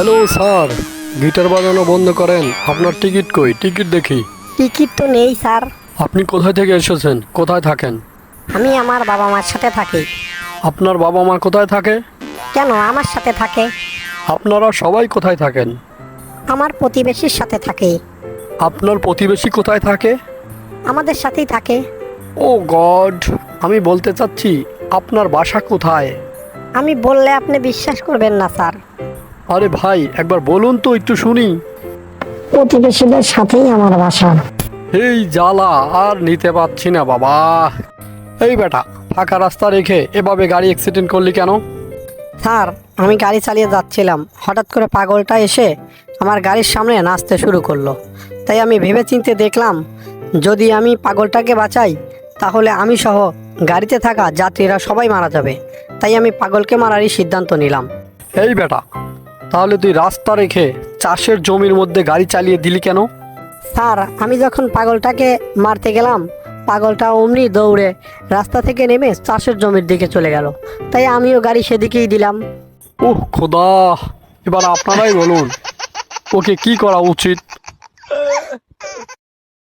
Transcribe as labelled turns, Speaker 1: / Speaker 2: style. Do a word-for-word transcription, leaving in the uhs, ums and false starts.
Speaker 1: Hello sir, guitar বাজানো বন্ধ করেন। আপনার টিকিট কই? টিকিট দেখি।
Speaker 2: টিকিট তো নেই স্যার।
Speaker 1: আপনি কোথায় থেকে এসেছেন? কোথায় থাকেন?
Speaker 2: আমি আমার বাবা মার সাথে থাকি।
Speaker 1: আপনার বাবা মা কোথায় থাকে?
Speaker 2: কেন আমার সাথে থাকে?
Speaker 1: আপনারা সবাই কোথায় থাকেন?
Speaker 2: আমার প্রতিবেশীর সাথে থাকে।
Speaker 1: আপনার প্রতিবেশী কোথায় থাকে?
Speaker 2: আমাদের সাথেই থাকে।
Speaker 1: ও গড, আমি বলতে চাচ্ছি আপনার বাসা কোথায়?
Speaker 2: আমি বললে আপনি বিশ্বাস করবেন না স্যার।
Speaker 1: আরে ভাই, একবার বলুন তো একটু শুনি।
Speaker 2: প্রতিবেশীদের সাথেই আমার বাসা।
Speaker 1: এই জ্বালা আর নিতে পারছি না বাবা। এই বেটা, ফাঁকা রাস্তা রেখে এভাবে গাড়ি অ্যাক্সিডেন্ট করলি কেন?
Speaker 2: স্যার, আমি গাড়ি চালিয়ে যাচ্ছিলাম, হঠাৎ করে পাগলটা এসে আমার গাড়ির সামনে নাচতে শুরু করলো। তাই আমি ভেবেচিন্তে দেখলাম, যদি আমি পাগলটাকে বাঁচাই তাহলে আমি সহ গাড়িতে থাকা যাত্রীরা সবাই মারা যাবে। তাই আমি পাগলকে মারারই সিদ্ধান্ত নিলাম।
Speaker 1: এই বেটা, তাহলে তুই রাস্তা রেখে চাষের জমির মধ্যে গাড়ি চালিয়ে দিলি কেন?
Speaker 2: স্যার, আমি যখন পাগলটাকে মারতে গেলাম, পাগলটা অমনি দৌড়ে রাস্তা থেকে নেমে চাষের জমির দিকে চলে গেল। তাই আমিও গাড়ি সেদিকেই দিলাম।
Speaker 1: ওহ খোদা, এবার আপনারাই বলুন ওকে কি করা উচিত।